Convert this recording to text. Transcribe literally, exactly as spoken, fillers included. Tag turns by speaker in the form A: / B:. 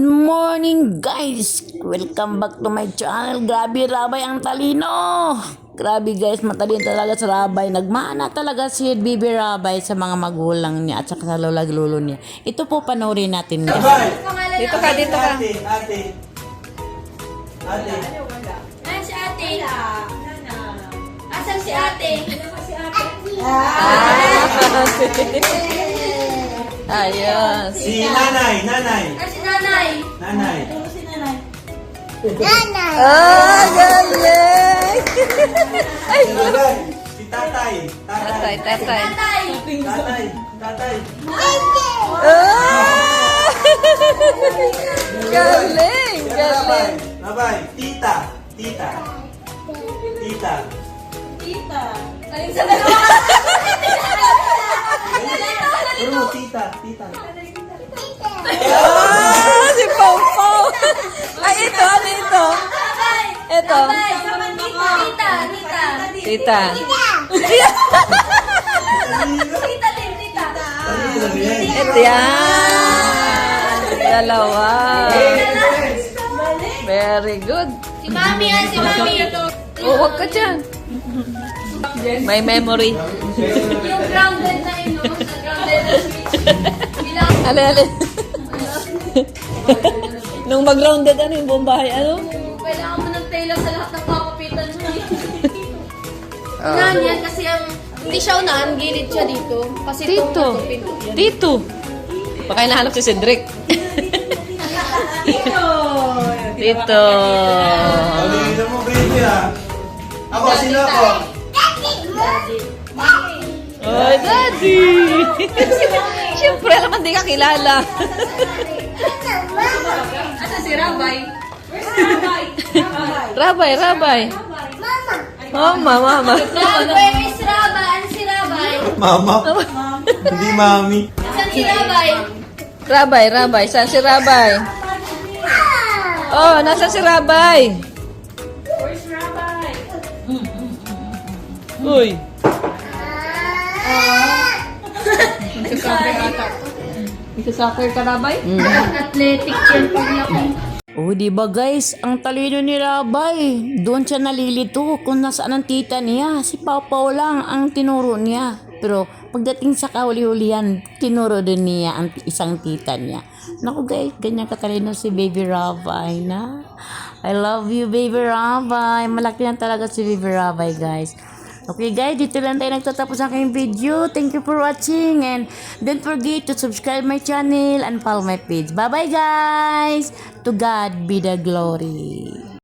A: morning guys! Welcome back to my channel. Grabe Rabay ang talino. Grabe guys, matalino talaga sa Rabay. Nagmana talaga si Baby Rabay sa mga magulang niya at saka sa lola lolo niya. Ito po panoorin natin guys.
B: Dito ka, dito ka.
C: Ate, ate. Ate.
D: Ayan si ate. Asan si ate?
A: Ayos.
C: Si nanay, nanay.
D: Ayan si nanay.
C: Nanay.
A: Ah, galing! Ay,
C: Nanay. Si tatay.
B: Tatay,
C: Tatay.
B: tatay.
D: Tatay.
C: Tatay. Tatay.
A: ah! Galing!
C: Rabay.
A: Galing!
C: Rabay. Tita. Tita. Tita.
D: Galing sa dalawa.
C: Pero mo, tita. Tita.
A: Ah, si Pau Pau! Ay, ito, ano ito?
D: Tatay.
A: Ito.
D: Tatay. Tita. Tita.
A: Tita.
D: Tita din. Tita.
A: Ito yan. Dalawa. Very good.
D: Si mami yan. Si mami.
A: Oh, huwag ka dyan. May memory.
D: Yung grounded na ino. Sa grounded na switch. Bilang.
A: Ale, ale. Nung mag-grounded, ano yung buong bahay, ano?
D: Kailangan mo ng tailor sa lahat ng papapitan mo. Unahan yan kasi ang hindi siya unahan, gilid siya dito. Kasi
A: Dito.
D: itong pinto yan.
A: Dito. Baka hinahanap si Cedric. Dito.
C: Pagiging mo, baby ah. Ako, sino ako?
A: Oh, Daddy! Siyempre, naman di ka kilala.
D: Asa si Rabay? Where's Rabay?
A: Rabay, Rabay. Mama, mama.
D: Where is Rabay? Ano si Rabay?
C: Mama. Hindi mami.
D: Asan si Rabay?
A: Rabay, Rabay. Saan si Rabay? Oh, nasa si Rabay?
D: Where's Rabay?
A: Uy.
B: Nagsa-soccer ka, Rabay?
D: Athletic yan paglaki.
A: Oh, di ba guys? Ang talino ni Rabay. Doon siya nalilito kung nasaan ang tita niya. Si Papa lang ang tinuro niya. Pero pagdating sa kahuli-hulihan, tinuro din niya ang isang tita niya. Naku guys, ganyan katalino si Baby Rabay na. I love you, Baby Rabay. Malaki lang talaga si Baby Rabay, guys. Okay guys, dito lang tayo nagtatapos ang aking video. Thank you for watching and don't forget to subscribe my channel and follow my page. Bye bye guys! To God be the glory.